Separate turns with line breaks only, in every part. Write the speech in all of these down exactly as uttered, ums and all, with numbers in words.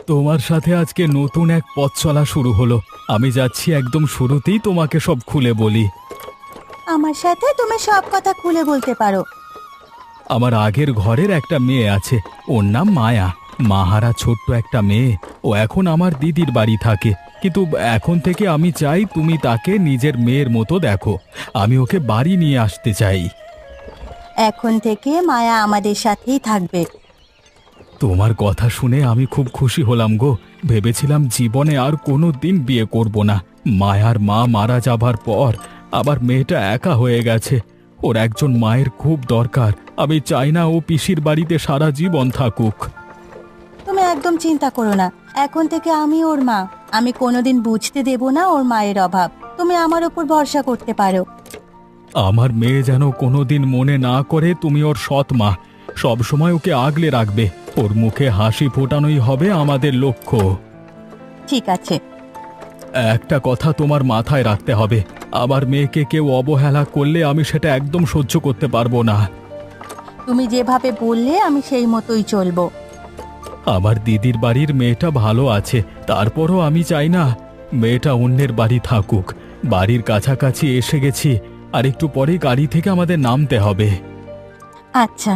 তোমার সাথে আজকে নতুন এক পথ চলা শুরু হলো। আমি যাচ্ছি একদম শুরুতেই তোমাকে সব খুলে বলি।
আমার সাথে তুমি সব কথা খুলে বলতে পারো।
আমার আগের ঘরের একটা মেয়ে আছে, ওর নাম মায়া। মাহারা ছোট্ট একটা মেয়ে। ও এখন আমার দিদির বাড়ি থাকে, কিন্তু এখন থেকে আমি চাই তুমি তাকে নিজের মেয়ের মতো দেখো। আমি ওকে বাড়ি নিয়ে আসতে চাই।
এখন থেকে মায়া আমাদের সাথেই থাকবে।
তোমার কথা শুনে আমি খুব খুশি হলাম গো। ভেবেছিলাম জীবনে আর কোনো দিন বিয়ে করব না। মায়ার মা মারা যাবার পর আবার মেয়েটা একা হয়ে গেছে। ওর একজন মায়ের খুব দরকার। আমি চাই না ও পিসির বাড়িতে সারা জীবন থাকুক।
তুমি একদম চিন্তা করো না, এখন থেকে আমি ওর মা। আমি কোনোদিন বুঝতে দেব না ওর মায়ের অভাব। তুমি আমার উপর ভরসা করতে পারো।
আমার মেয়ে যেন কোনোদিন মনে না করে তুমি ওর সৎ মা। সবসময় ওকে আগলে রাখবে। ওর মুখে হাসি ফোটানোই হবে আমাদের লক্ষ্য।
ঠিক আছে।
একটা কথা তোমার মাথায় রাখতে হবে, আমার মেয়েকে কেউ অবহেলা করলে আমি সেটা একদম সহ্য করতে পারবো না।
তুমি যেভাবে বললে আমি সেই মতোই চলবো।
আমার দিদির বাড়ির মেয়েটা ভালো আছে, তারপরও আমি চাই না মেয়েটা অন্যের বাড়ি থাকুক। বাড়ির কাছাকাছি এসে গেছি, আর একটু পরেই গাড়ি থেকে আমাদের নামতে হবে।
আচ্ছা।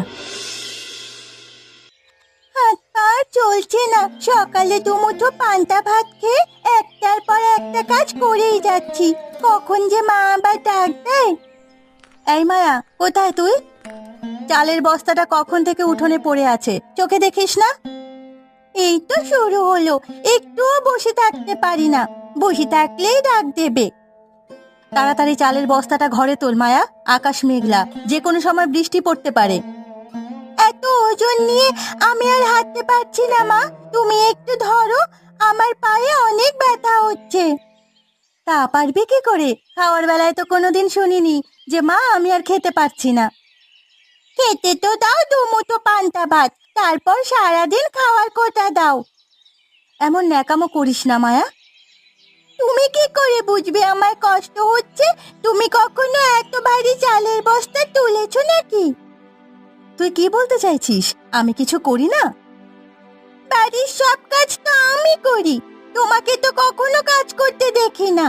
হাত পা চলছে না। সকালে দুমুঠো পান্তা ভাত খেয়ে একটার পর একটা কাজ করেই যাচ্ছি। কখন যে মা আবার ডাক দেয়। এই মায়া, কোথায় তুই? চালের বস্তাটা কখন থেকে উঠোনে পড়ে আছে, চোখে দেখিস না? এই তো শুরু হলো, একটুও বসে থাকতে পারি না। বসে থাকলেই ডাক দেবে। তাড়াতাড়ি চালের বস্তাটা ঘরে তোল মায়া, আকাশ মেঘলা, যে কোনো সময় বৃষ্টি পড়তে পারে। এত ওজন নিয়ে আমি আর হাঁটতে পারছি না মা, তুমি একটু ধরো, আমার পায়ে অনেক ব্যথা হচ্ছে। তা পারবে কি করে? খাওয়ার বেলায় তো কোনোদিন শুনিনি যে মা আমি আর খেতে পারছি না। খেতে তো দাও দুমুঠো পান্তা ভাত, তারপর সারাদিন খাওয়ার কোটা দাও। এমন ন্যাকামো করিস না মায়া। তুমি কি করে বুঝবে আমার কষ্ট হচ্ছে? তুমি কখনো এত ভারী চালের বস্তা তুলেছো নাকি? তুই কি বলতে চাইছিস? আমি কিছু করি না? বাড়ির সব কাজ তো আমি করি, তোমাকে তো কখনো কাজ করতে দেখি না।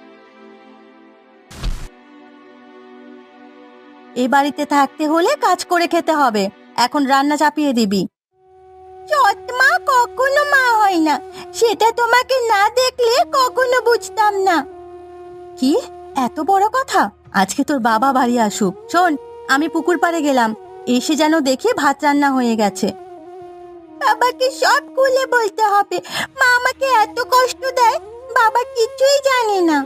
এই বাড়িতে থাকতে হলে কাজ করে খেতে হবে। এখন রান্না চাপিয়ে দিবি। সৎ মা কখনো মা হয় না, সেটা তোমাকে না দেখলে কখনো বুঝতাম না। কি এত বড় কথা? আজকে তোর বাবা বাড়ি আসুক। শোন, আমি পুকুর পাড়ে গেলাম, এসে যেন দেখি ভাত রান্না হয়ে গেছে। বাবাকে সব খুলে বলতে হবে। মা আমাকে এত কষ্ট দেয়, বাবা কিছুই জানে না।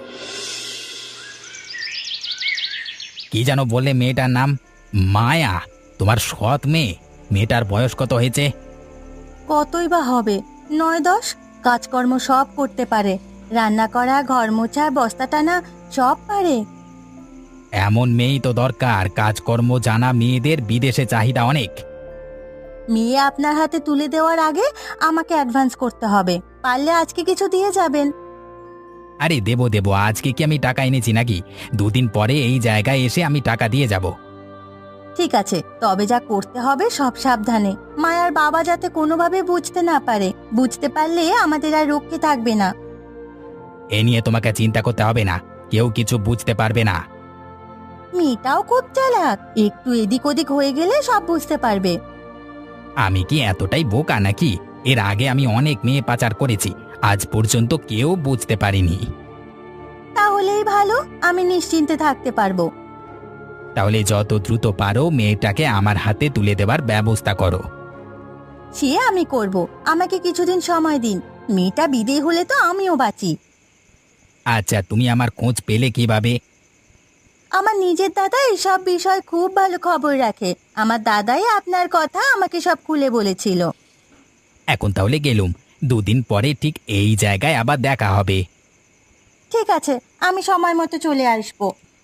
কি যেন বললে মেয়েটার নাম? মায়া? তোমার সৎ মেয়ে? মেয়েটার বয়স কত হয়েছে?
কতই বা হবে, নয় দশ। কাজকর্ম সব করতে পারে, রান্না করা, ঘর মোছা, বস্তা টানা সব পারে।
এমন মেয়েই তো দরকার। কাজকর্ম জানা মেয়েদের বিদেশে চাহিদা অনেক।
মেয়ে আপনার হাতে তুলে দেওয়ার আগে আমাকে অ্যাডভান্স করতে হবে। পারলে আজকে কিছু দিয়ে যাবেন।
আরে দেবো দেবো, আজকে কি আমি টাকা এনেছি নাকি? দুদিন পরে এই জায়গায় এসে আমি টাকা দিয়ে যাব।
ঠিক আছে, তবে যা করতে হবে সব সাবধানে। মায়ার বাবা যাতে কোনোভাবে বুঝতে না পারে। বুঝতে পারলে আমাদের আর রক্ষে থাকবে না।
এ নিয়ে তোমাকে চিন্তা করতে হবে না, কেউ কিছু বুঝতে পারবে না।
মেয়েটাও খুব চালাক, একটু এদিক ওদিক হয়ে গেলে সব বুঝতে পারবে।
আমি কি এতটাই বোকা নাকি? এর আগে আমি অনেক মেয়ে পাচার করেছি, আজ পর্যন্ত কেউ বুঝতে পারিনি।
তাহলেই ভালো, আমি নিশ্চিন্তে থাকতে পারবো।
তাহলে যত দ্রুত পারো মেয়েটাকে আমার হাতে তুলে দেবার ব্যবস্থা করো।
সে আমি করব, আমাকে কিছুদিন সময় দিন। মেয়েটা বিদেয় হলে তো আমিও বাঁচি।
আচ্ছা, তুমি আমার খোঁজ পেলে কিভাবে?
আমার নিজের দাদা এসব বিষয় খুব ভালো খবর রাখে। আমার দাদাই আপনার কথা আমাকে সব খুলে বলেছিল।
এখন তাহলে গেলুম, দুদিন পরে ঠিক এই জায়গায় আবার দেখা হবে।
ঠিক আছে, আমি সময় মতো চলে আসবো।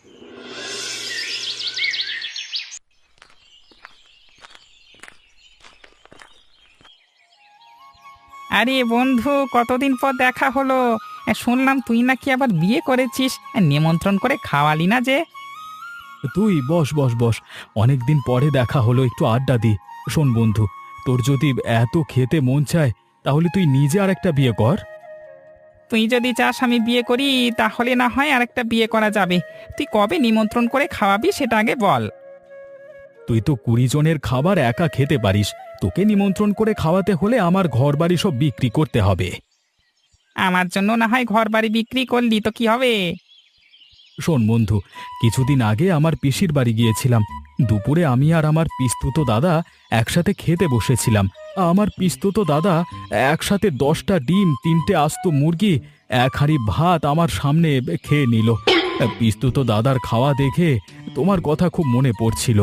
আরে বন্ধু, কতদিন পর দেখা হলো। এ, শুনলাম তুই নাকি আবার বিয়ে করেছিস। এ, নিমন্ত্রণ করে খাওয়ালি না যে?
তুই বস বস বস, অনেকদিন পরে দেখা হলো, একটু আড্ডা দি। শোন বন্ধু, তোর যদি এত খেতে মন চায় তাহলে তুই নিজে আর একটা বিয়ে কর।
তুই যদি চাস আমি বিয়ে করি তাহলে না হয় আরেকটা বিয়ে করা যাবে। তুই কবে নিমন্ত্রণ করে খাওয়াবি সেটা আগে বল।
তুই তো কুড়ি জনের খাবার একা খেতে পারিস, তোকে নিমন্ত্রণ করে খাওয়াতে হলে আমার ঘর বাড়ি সব বিক্রি করতে হবে।
আমার জন্য না হয় ঘর বাড়ি বিক্রি করলি তো কি হবে?
শোন বন্ধু, কিছুদিন আগে আমার পিসির বাড়ি গিয়েছিলাম। দুপুরে আমি আর আমার পিস্তুতো দাদা একসাথে খেতে বসেছিলাম। আমার পিস্তুতো দাদা একসাথে দশটা ডিম, তিনটে আস্ত মুরগি, এক হাঁড়ি ভাত আমার সামনে খেয়ে নিল। পিস্তুতো দাদার খাওয়া দেখে তোমার কথা খুব মনে পড়ছিল।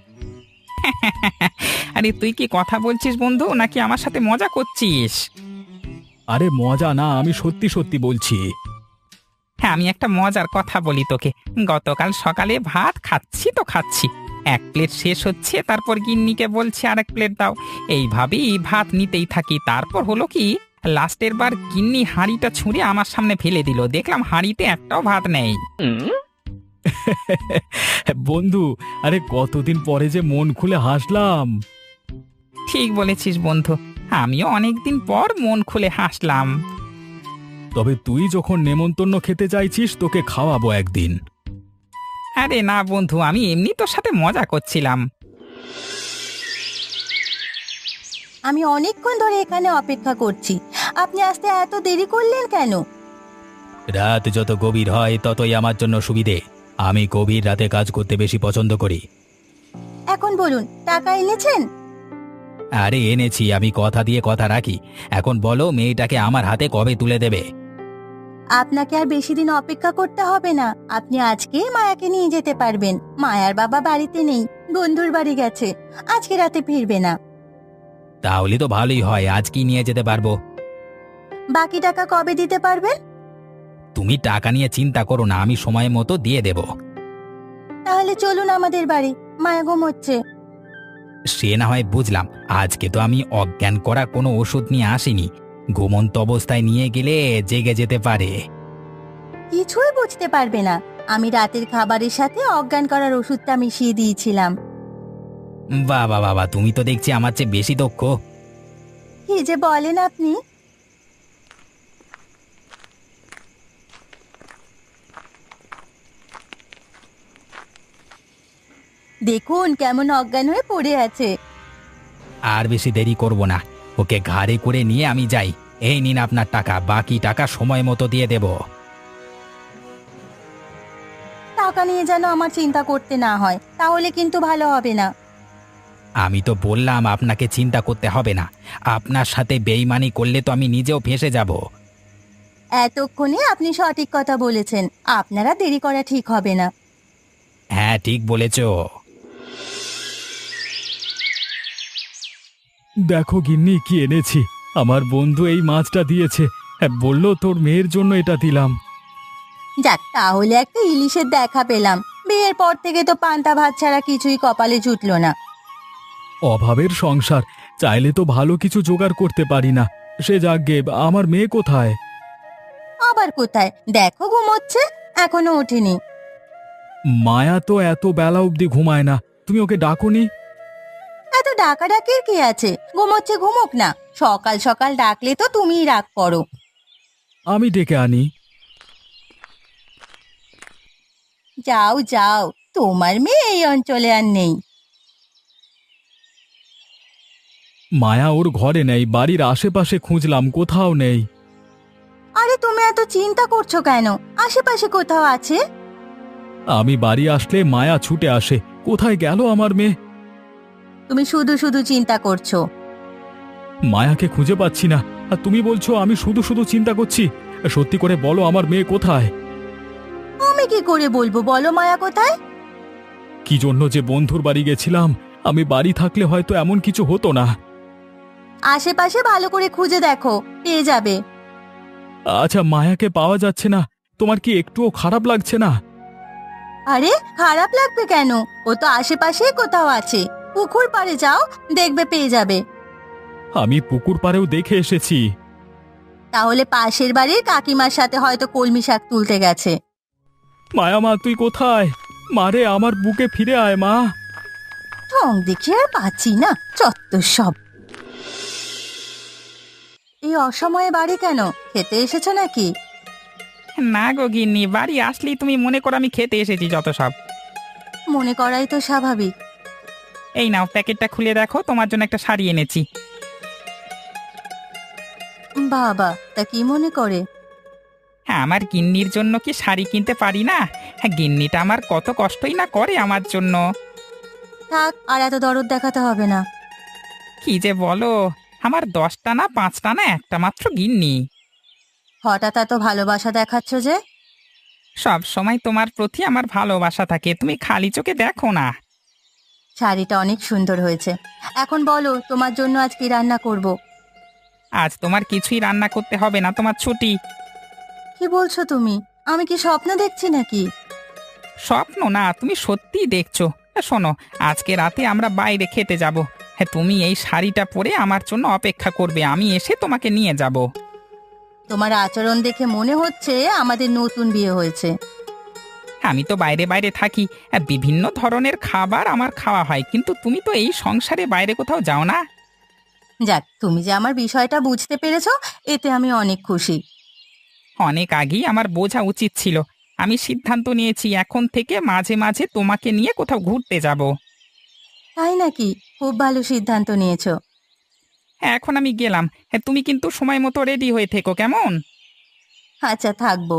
আরে তুই কি কথা বলছিস বন্ধু, নাকি আমার সাথে মজা করছিস?
আরে মজা না, আমি সত্যি সত্যি বলছি।
হ্যাঁ, আমি একটা মজার কথা বলি তোকে। গতকাল সকালে ভাত খাচ্ছি তো খাচ্ছি, এক প্লেট শেষ হচ্ছে, তারপর গিন্নিকে বলছি আরেক প্লেট দাও। এইভাবেই ভাত নিতেই থাকি। তারপর হলো কি, লাস্টের বার গিন্নি হাঁড়িটা ছুঁড়ে আমার সামনে ফেলে দিল। দেখলাম হাঁড়িতে একটাও ভাত নেই।
বন্ধু, আরে কতদিন পরে যে মন খুলে হাসলাম।
ঠিক বলেছিস বন্ধু, আমিও অনেকদিন পর মন খুলে হাসলাম।
তবে তুই যখন নেমন্তন্ন খেতে চাইছিস, তোকে খাওয়াবো একদিন।
আরে না বন্ধু, আমি এমনি তোর সাথে মজা করছিলাম।
আমি অনেকক্ষণ ধরে এখানে অপেক্ষা করছি, আপনি আসতে এত দেরি করলেন কেন?
রাত যত গভীর হয় ততই আমার জন্য সুবিধে। আমি গভীর রাতে কাজ করতে বেশি পছন্দ করি।
এখন বলুন, টাকা এনেছেন?
আরে এনেছি, আমি কথা দিয়ে কথা রাখি। এখন বলো, মেয়েটাকে আমার হাতে কবে তুলে দেবে?
আপনাকে আর বেশি দিন অপেক্ষা করতে হবে না, আপনি আজকেই মায়াকে নিয়ে যেতে পারবেন। মায়ার বাবা বাড়িতে নেই, বন্ধুর বাড়ি গেছে, আজকে রাতে ফিরবে না।
তাহলে তো ভালোই হয়, আজ কি নিয়ে যেতে পারবো।
বাকি টাকা কবে দিতে পারবেন?
তুমি টাকা নিয়ে চিন্তা করো না, আমি সময় মতো দিয়ে দেব।
তাহলে চলুন আমাদের বাড়ি, মায়া ঘুমোচ্ছে।
সে না হয় বুঝলাম, আজকে তো আমি অজ্ঞান করা কোনো ওষুধ নিয়ে আসিনি। ঘুমন্ত অবস্থায় নিয়ে গেলে জেগে যেতে পারে।
কিছুই বুঝতে পারবে না, আমি রাতের খাবারের সাথে অজ্ঞান করার ওষুধটা মিশিয়ে দিয়েছিলাম।
বাবা বাবা, তুমি তো দেখছি আমার চেয়ে বেশি দক্ষ।
কি যে বলেন আপনি! দেখুন কেমন অজ্ঞান হয়ে পড়ে আছে।
আর বেশি দেরি করব না, ওকে ঘাড়ে করে নিয়ে আমি যাই। এই নিন আপনার টাকা, বাকি টাকা সময় মতো দিয়ে দেব।
টাকা নিয়ে যেন আমার চিন্তা করতে না হয়, তাহলে কিন্তু ভালো হবে না।
আমি তো বললাম আপনাকে চিন্তা করতে হবে না। আপনার সাথে বেইমানি করলে তো আমি নিজেও ফেঁসে যাব।
এতক্ষণে আপনি সঠিক কথা বলেছেন, আপনারা দেরি করা ঠিক হবে না।
হ্যাঁ, ঠিক বলেছ।
দেখো গিন্নি, কি এনেছি। আমার বন্ধু এই মাছটা দিয়েছে, হ্যাঁ, বললো তোর মেয়ের জন্য এটা দিলাম।
যাক, তাহলে একটা ইলিশের দেখা পেলাম। বিয়ের পর থেকে তো পান্তা ভাত ছাড়া কিছুই কপালে জুটলো না।
অভাবের সংসার, চাইলে তো ভালো কিছু জোগাড় করতে পারি না। সে যাকগে, আমার মেয়ে কোথায়?
আবার কোথায়? দেখো ঘুমোচ্ছে, এখনো ওঠেনি।
মায়া তো এত বেলা অবধি ঘুমায় না, তুমি ওকে ডাকোনি?
এত ডাকাডাকির কি আছে, ঘুমোচ্ছে ঘুমোক না। সকাল সকাল ডাকলে তো তুমিই রাগ করো।
আমি ডেকে আনি।
যাও যাও, তোমার মেয়ে এই অঞ্চলে আর নেই।
মায়া ওর ঘরে নেই, বাড়ির আশেপাশে খুঁজলাম, কোথাও নেই।
আরে তুমি এত চিন্তা করছো কেন? আশেপাশে কোথাও আছে।
আমি বাড়ি আসলে মায়া ছুটে আসে, কোথায় গেল আমার মেয়ে?
তুমি শুধু শুধু চিন্তা করছো।
মায়াকে খুঁজে পাচ্ছি না, আর তুমি বলছো আমি শুধু শুধু চিন্তা করছি। সত্যি করে বলো, আমার মেয়ে কোথায়?
আমি কি করে বলবো, বলো মায়া কোথায়?
কি জন্য যে বন্ধুর বাড়ি গেছিলাম, আমি বাড়ি থাকলে হয়তো এমন কিছু হতো না।
আশেপাশে ভালো করে খুঁজে দেখো, পেয়ে যাবে।
আচ্ছা, মায়াকে পাওয়া যাচ্ছে না, তোমার কি একটুও খারাপ লাগছে না?
আরে খারাপ লাগবে কেন, ও তো আশেপাশেই কোথাও আছে। পুকুর পাড়ে যাও, দেখবে পেয়ে যাবে।
আমি পুকুর পাড়েও দেখে এসেছি।
তাহলে পাশের বাড়ির কাকিমার সাথে হয়তো কলমি শাক তুলতে গেছে।
মায়া মা, তুই কোথায়? মারে, আমার বুকে ফিরে আয় মা।
ঠং দেখে আর পাচ্ছি না, চত্বর সব। এই অসময়ে বাড়ি কেন? খেতে এসেছো নাকি?
না গো গিন্নি, বাড়ি আসলেই তুমি মনে করো আমি খেতে এসেছি যত সব।
মনে করাই তো স্বাভাবিক।
এই নাও প্যাকেটটা খুলে দেখো, তোমার জন্য একটা শাড়ি এনেছি।
বাবা, তা কি মনে করে?
হ্যাঁ, আমার গিন্নির জন্য কি শাড়ি কিনতে পারি না? হ্যাঁ, গিন্নিটা আমার কত কষ্টই না করে আমার জন্য।
থাক, আর এত দরদ দেখাতে হবে না।
কি যে বলো, আমার দশটা না পাঁচটা না একটা মাত্র গিন্নি।
হঠাৎ এত ভালোবাসা দেখাচ্ছ যে?
সব সময় তোমার প্রতি আমার ভালোবাসা থাকে, তুমি খালি চোখে দেখো না।
শাড়িটা অনেক সুন্দর হয়েছে। এখন বলো, তোমার জন্য আজ কি রান্না করব?
আজ তোমার কিছুই রান্না করতে হবে না, তোমার ছুটি।
কি বলছো তুমি? আমি কি স্বপ্ন দেখছি নাকি?
স্বপ্ন না, তুমি সত্যিই দেখছো। শোনো, আজকে রাতে আমরা বাইরে খেতে যাব। হ্যাঁ, তুমি এই শাড়িটা পরে আমার জন্য অপেক্ষা করবে, আমি এসে তোমাকে নিয়ে যাব।
তোমার আচরণ দেখে মনে হচ্ছে আমাদের নতুন বিয়ে হয়েছে।
আমি তো বাইরে বাইরে থাকি, আর বিভিন্ন ধরনের খাবার আমার খাওয়া হয়, কিন্তু তুমি তো এই সংসারে বাইরে কোথাও যাও না।
যাক, তুমি যে আমার বিষয়টা বুঝতে পেরেছো, এতে আমি অনেক খুশি।
অনেক আগেই আমার বোঝা উচিত ছিল। আমি সিদ্ধান্ত নিয়েছি এখন থেকে মাঝে মাঝে তোমাকে নিয়ে কোথাও ঘুরতে যাব।
তাই নাকি? খুব ভালো সিদ্ধান্ত নিয়েছো।
এখন আমি গেলাম। হ্যাঁ, তুমি কিন্তু সময় মতো রেডি হয়ে থেকো, কেমন?
আচ্ছা, থাকবো।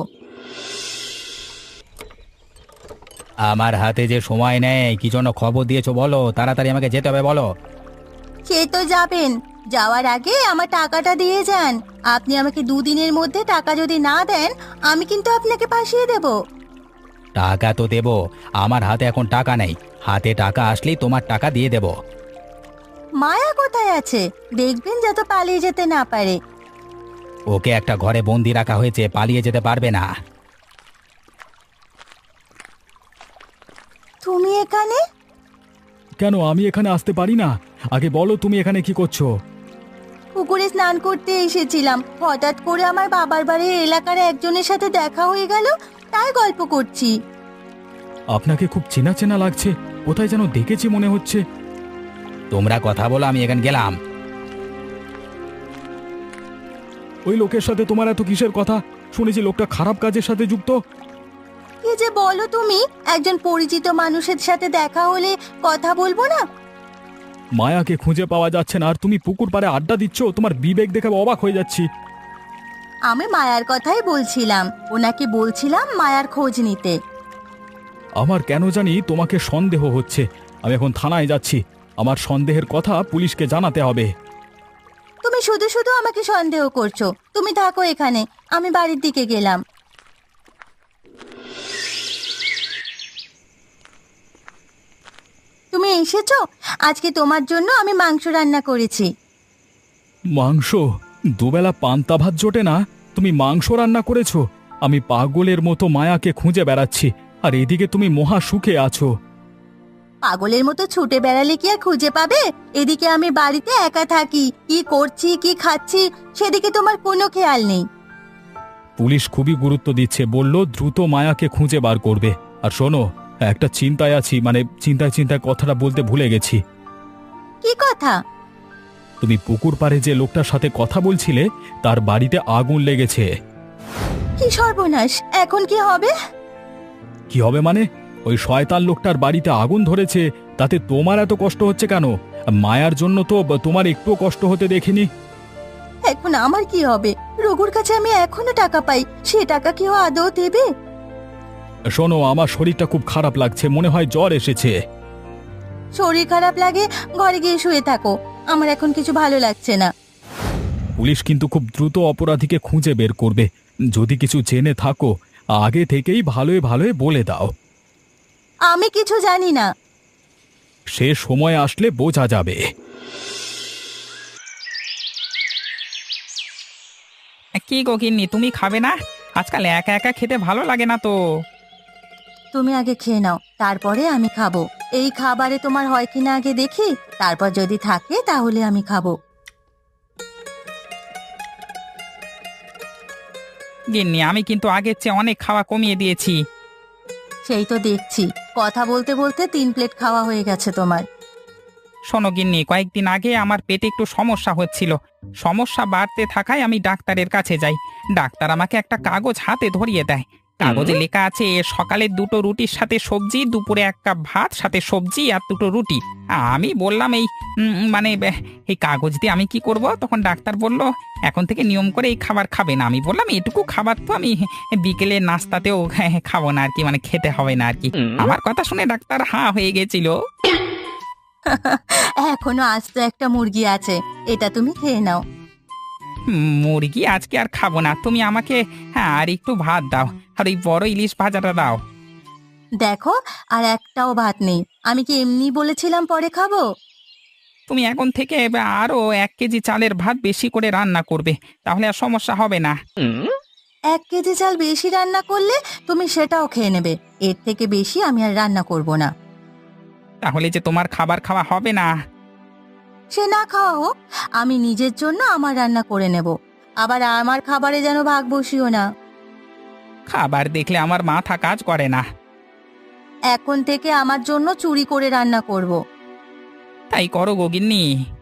আমার হাতে যে সময় নেই, কি জন্য খবর দিয়েছো বলো, তাড়াতাড়ি আমাকে যেতে হবে বলো।
সে তো যাবেন, যাওয়ার আগে আমার টাকাটা দিয়ে যান। আপনি আমাকে দুদিনের মধ্যে টাকা যদি না দেন, আমি কিন্তু আপনাকে ফাঁসিয়ে দেব।
টাকা তো দেবো, আমার হাতে এখন টাকা নেই। হাতে টাকা আসলেই তোমার টাকা দিয়ে দেবো।
মায়া কোথায় আছে? দেখবেন যাতে পালিয়ে যেতে না পারে।
ওকে একটা ঘরে বন্দি রাখা হয়েছে, পালিয়ে যেতে পারবে না।
তুমি এখানে?
কেন আমি এখানে আসতে পারি না? আগে বলো তুমি এখানে কি করছো?
পুকুরে স্নান করতে এসেছিলাম, হঠাৎ করে আমার বাবার বাড়ির এলাকার একজনের সাথে দেখা হয়ে গেল, তাই গল্প করছি।
আপনাকে খুব চেনা চেনা লাগছে, কোথায় যেন দেখেছি মনে হচ্ছে।
তোমরা কথা বলো, আমি এখানে গেলাম।
ওই লোকের সাথে তোমার এত কিসের কথা? শুনেছি লোকটা খারাপ কাজের সাথে যুক্ত।
কি যে বলো তুমি? একজন পরিচিত মানুষের সাথে দেখা হলে কথা বলবো না?
মায়াকে খুঁজে পাওয়া যাচ্ছে না আর তুমি পুকুর পাড়ে আড্ডা দিচ্ছ, তোমার বিবেক দেখে অবাক হয়ে যাচ্ছি।
আমি মায়ার কথাই বলছিলাম, ওনাকে বলছিলাম মায়ার খোঁজ নিতে।
আমার কেন জানি তোমাকে সন্দেহ হচ্ছে। আমি এখন থানায় যাচ্ছি, আমার সন্দেহের কথা পুলিশকে জানাতে হবে।
তুমি শুধু শুধু আমাকে সন্দেহ করছো। তুমি থাকো এখানে, আমি বাড়ির দিকে গেলাম। তুমি এসেছো? আজকে তোমার জন্য আমি মাংস রান্না করেছি।
মাংস? দুবেলা পান্তা ভাত জোটে না, তুমি মাংস রান্না করেছো? আমি পাগলের মতো মায়াকে খুঁজে বেড়াচ্ছি, আর এদিকে তুমি মহা সুখে আছো।
পাগলের মতো ছুটে বেড়ালে কি আর খুঁজে পাবে? এদিকে আমি বাড়িতে একা থাকি, কি করছি কি খাচ্ছি সেদিকে তোমার কোনো খেয়াল নেই।
পুলিশ খুবই গুরুত্ব দিচ্ছে, বলল দ্রুত মায়াকে খুঁজে বার করবে। আর শোনো, একটা চিন্তায় আছি, মানে চিন্তায় চিন্তায় কথাটা বলতে ভুলে গেছি।
কি কথা?
তুমি পুকুর পাড়ে যে লোকটার সাথে কথা বলছিলে, তার বাড়িতে আগুন লেগেছে।
কি সর্বনাশ! এখন কি হবে?
কি হবে মানে? ওই শয়তান লোকটার বাড়িতে আগুন ধরেছে, তাতে তোমার এত কষ্ট হচ্ছে কেন? মায়ার জন্য তো তোমার একটুও কষ্ট হতে দেখিনি।
এখন আমার কি হবে? রঘুর কাছে আমি এখনো টাকা পাই, সে টাকা কেউ আদৌ দেবে?
শোনো, আমার শরীরটা খুব খারাপ লাগছে, মনে হয় জ্বর এসেছে।
শরীর খারাপ লাগে ঘরে গিয়ে শুয়ে থাকো, আমার এখন কিছু ভালো লাগছে না।
পুলিশ কিন্তু খুব দ্রুত অপরাধীকে খুঁজে বের করবে। যদি কিছু জেনে থাকো, আগে থেকেই ভালোই ভালোই বলে দাও।
আমি কিছু জানি না।
সে সময় আসলে বোঝা যাবে।
কি গো গিন্নি, তুমি খাবে না? আজকাল একা একা খেতে ভালো লাগে না তো।
তুমি আগে খেয়ে নাও, তারপরে আমি খাবো। এই খাবারে তোমার হয় কিনা আগে দেখি, তারপর যদি থাকে তাহলে আমি খাবো।
গিন্নি, আমি কিন্তু আগের চেয়ে অনেক খাওয়া কমিয়ে দিয়েছি।
সেই তো দেখছি, কথা বলতে বলতে তিন প্লেট খাওয়া হয়ে গেছে তোমার।
শোনো গিন্নি, কয়েকদিন আগে আমার পেটে একটু সমস্যা হচ্ছিল। সমস্যা বাড়তে থাকায় আমি ডাক্তারের কাছে যাই। ডাক্তার আমাকে একটা কাগজ হাতে ধরিয়ে দেয়। কাগজে লেখা আছে সকালে দুটো রুটির সাথে সবজি, দুপুরে এক কাপ ভাত সাথে সবজি আর দুটো রুটি। আমি বললাম এই উম, মানে বে- এই কাগজ দিয়ে আমি কি করব? তখন ডাক্তার বলল এখন থেকে নিয়ম করে এই খাবার খাবে না। আমি বললাম এটুকু খাবার তো আমি বিকেলে নাস্তাতেও খাবো না আর কি, মানে খেতে হবে না আর কি। আমার কথা শুনে ডাক্তার হাঁ হয়ে গেছিল।
এখনো আস্ত একটা মুরগি আছে, এটা তুমি খেয়ে নাও।
হুম, মুরগি আজকে আর খাবো না। তুমি আমাকে হ্যাঁ আর একটু ভাত দাও, আর ওই বড় ইলিশ ভাজাটা দাও।
দেখো, আর একটাও ভাত নেই। আমি কি এমনি বলেছিলাম পরে খাবো?
তুমি এখন থেকে আরো এক কেজি চালের ভাত বেশি করে রান্না করবে, তাহলে আর সমস্যা হবে না।
এক কেজি চাল বেশি রান্না করলে তুমি সেটাও খেয়ে নেবে। এর থেকে বেশি আমি আর রান্না করব না।
তাহলে যে তোমার খাবার খাওয়া হবে না।
সে না খাওয়া হোক, আমি নিজের জন্য আমার রান্না করে নেব। আবার আমার খাবারে যেন ভাগ বসিও না।
খাবার দেখলে আমার মাথা কাজ করে না।
এখন থেকে আমার জন্য চুরি করে রান্না করব।
তাই করো গগিন্নি।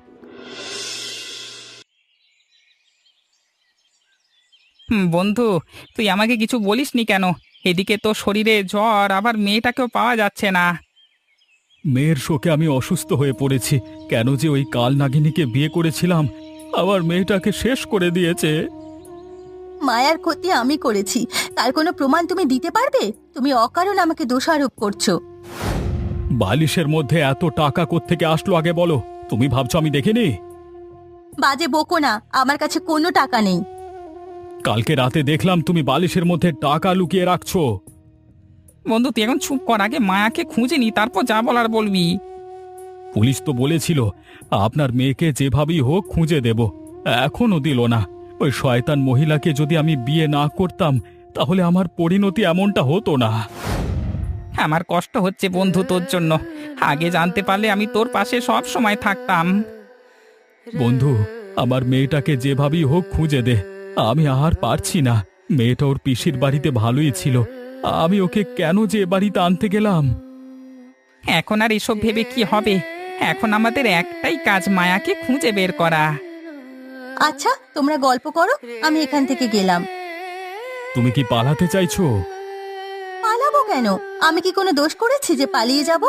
হুম, বন্ধু তুই আমাকে কিছু বলিসনি কেন? এদিকে তো শরীরে জ্বর, আবার মেয়েটাকেও পাওয়া যাচ্ছে না।
মেয়ের শোকে আমি অসুস্থ হয়ে পড়েছি। কেন যে ওই কাল নাগিনীকে বিয়ে করেছিলাম, আমার মেয়েটাকে শেষ করে দিয়েছে।
মায়ার ক্ষতি আমি করেছি, তার কোনো প্রমাণ তুমি দিতে পারবে? তুমি অকারণ আমাকে দোষারোপ করছো।
বালিশের মধ্যে এত টাকা কোত্থেকে আসলো আগে বলো। তুমি ভাবছো আমি দেখিনি?
বাজে বকো না, আমার কাছে কোনো টাকা নেই।
কালকে রাতে দেখলাম তুমি বালিশের মধ্যে টাকা লুকিয়ে রাখছো।
বন্ধু তুই এখন চুপ কর, আগে মায়াকে খুঁজে নি, তারপর যা বলার বলবি।
পুলিশ তো বলেছিল আপনার মেয়েকে যেভাবেই হোক খুঁজে দেব, এখনো দিল না। ওই শয়তান মহিলাকে যদি আমি বিয়ে না করতাম তাহলে আমার পরিণতি এমনটা হতো না।
আমার কষ্ট হচ্ছে বন্ধু তোর জন্য। আগে জানতে পারলে আমি তোর পাশে সব সময় থাকতাম।
বন্ধু, আমার মেয়েটাকে যেভাবেই হোক খুঁজে দে। আমি আর পারছি না। মেয়েটা ওর পিসির বাড়িতে ভালোই ছিল, আমি ওকে কেন যে এ বাড়িতে আনতে গেলাম?
এখন আর এসব ভেবে কি হবে? এখন আমাদের একটাই কাজ, মায়াকে খুঁজে বের করা।
আচ্ছা, তোমরা গল্প করো, আমি এখান থেকে গেলাম।
তুমি কি পালাতে চাইছো?
পালাবো কেন? আমি কি কোনো দোষ করেছি যে পালিয়ে যাব?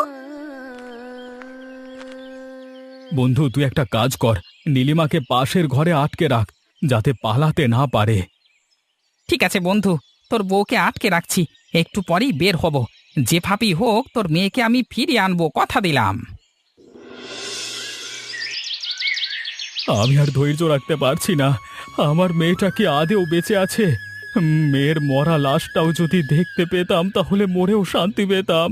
বন্ধু, তুই একটা কাজ কর, নীলিমাকে পাশের ঘরে আটকে রাখ, যাতে পালাতে না পারে।
ঠিক আছে বন্ধু, তোর বউকে আটকে রাখছি, একটু পরেই বের হব। যেভাবেই হোক তোর মেয়েকে আমি ফিরিয়ে আনবো, কথা দিলাম।
আমি আর ধৈর্য রাখতে পারছি না। আমার মেয়েটা কি আদেও বেঁচে আছে? মেয়ের মরা লাশটাও যদি দেখতে পেতাম তাহলে মরেও শান্তি পেতাম।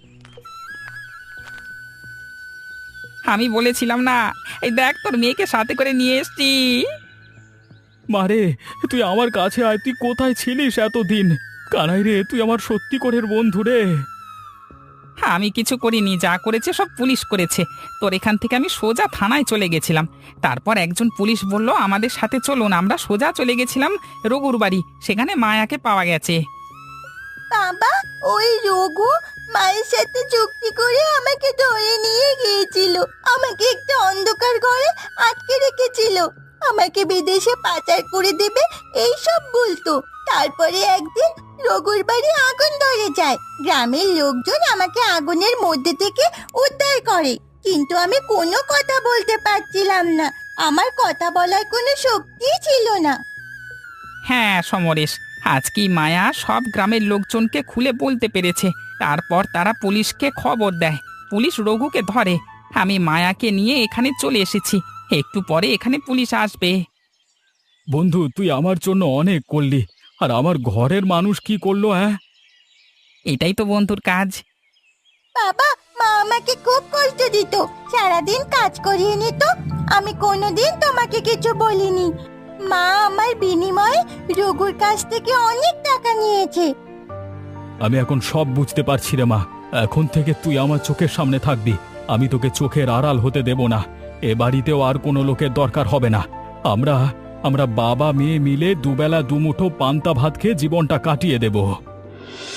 আমি বলেছিলাম না, এই দেখ তোর মেয়েকে সাথে করে নিয়ে এসছি।
মারে, তুই আমার কাছে আয়। তুই কোথায় ছিলিস এতদিন? কানাই রে, তুই আমার সত্যি করের বন্ধু রে।
আমি কিছু করিনি, যা করেছে সব পুলিশ করেছে। তোর এখান থেকে আমি সোজা থানায় চলে গেছিলাম। তারপর একজন পুলিশ বলল আমাদের সাথে চলুন, আমরা সোজা চলে গেছিলাম রঘুর বাড়ি, সেখানে মায়াকে পাওয়া গেছে।
বাবা, ওই রঘু মায়ের সাথে চুক্তি করে আমাকে ধরে নিয়ে গিয়েছিল। আমাকে একটা অন্ধকার ঘরে আটকে রেখেছিল। আমাকে বিদেশে পাচার করে দেবে এই সব বলতো। তারপরে একদিন রঘুর বাড়ি আগুন ধরে যায়। গ্রামের লোকজন আমাকে আগুনের মধ্যে থেকে উদ্ধার করে, কিন্তু আমি কোনো কথা বলতে পারছিলাম না। আমার কথা বলার কোনো শক্তিই ছিল না।
হ্যাঁ সমরেশ, আজকেই মায়া সব গ্রামের লোকজনকে খুলে বলতে পেরেছে। তারপর তারা পুলিশকে খবর দেয়, পুলিশ রঘুকে ধরে। আমি মায়াকে নিয়ে এখানে চলে এসেছি, একটু পরে এখানে পুলিশ আসবে।
বন্ধু, তুই আমার জন্য অনেক করলি, আর আমার ঘরের মানুষ কি করলো? হ্যাঁ,
এটাই তো বন্ধুর কাজ।
বাবা, মা আমাকে খুব কষ্ট দিত, সারাদিন কাজ করিয়ে নিত। আমি কোনোদিন তোমাকে কিছু বলিনি। মা আমার বিনিময়ে রঘুর কাছ থেকে অনেক টাকা নিয়েছে।
আমি এখন সব বুঝতে পারছি রে মা। এখন থেকে তুই আমার চোখের সামনে থাকবি। আমি তোকে চোখের আড়াল হতে দেব না। এ বাড়িতেও আর কোনো লোকের দরকার হবে না। আমরা আমরা বাবা মেয়ে মিলে দুবেলা দুমুঠো পান্তা ভাত খেয়ে জীবনটা কাটিয়ে দেব।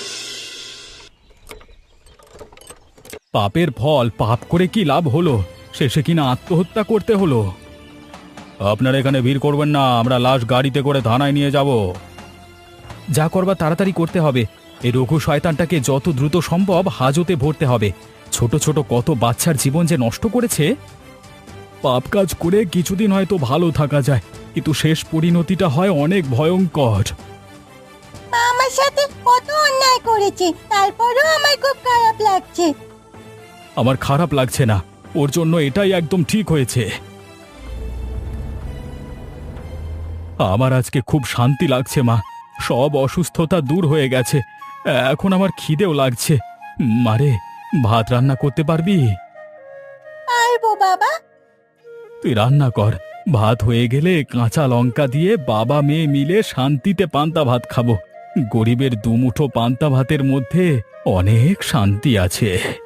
পাপের ফল পাপ করে কি লাভ হলো? শেষে কিনা আত্মহত্যা করতে হলো। আপনারা এখানে ভিড় করবেন না, আমরা লাশ গাড়িতে করে থানায় নিয়ে যাব। যা করবার তাড়াতাড়ি করতে হবে। এই রঘু শয়তানটাকে যত দ্রুত সম্ভব হাজতে ভরতে হবে। ছোট ছোট কত বাচ্চার জীবন যে নষ্ট করেছে। পাপ কাজ করে কিছুদিন হয়তো ভালো থাকা যায়, কিন্তু শেষ পরিণতিটা হয় অনেক ভয়ঙ্কর।
মা আমার সাথে কত অন্যায় করেছে, তারপরেও আমার খুব খারাপ লাগছে।
আমার খারাপ লাগছে না, ওর জন্য এটাই একদম ঠিক হয়েছে। আমার আজকে খুব শান্তি লাগছে মা, সব অসুস্থতা দূর হয়ে গেছে। এখন আমার খিদেও লাগছে। মারে, ভাত রান্না করতে পারবি?
পারবো বাবা।
তুই রান্না কর, ভাত হয়ে গেলে কাঁচা লঙ্কা দিয়ে বাবা মেয়ে মিলে শান্তিতে পান্তা ভাত খাবো। গরিবের দুমুঠো পান্তা ভাতের মধ্যে অনেক শান্তি আছে।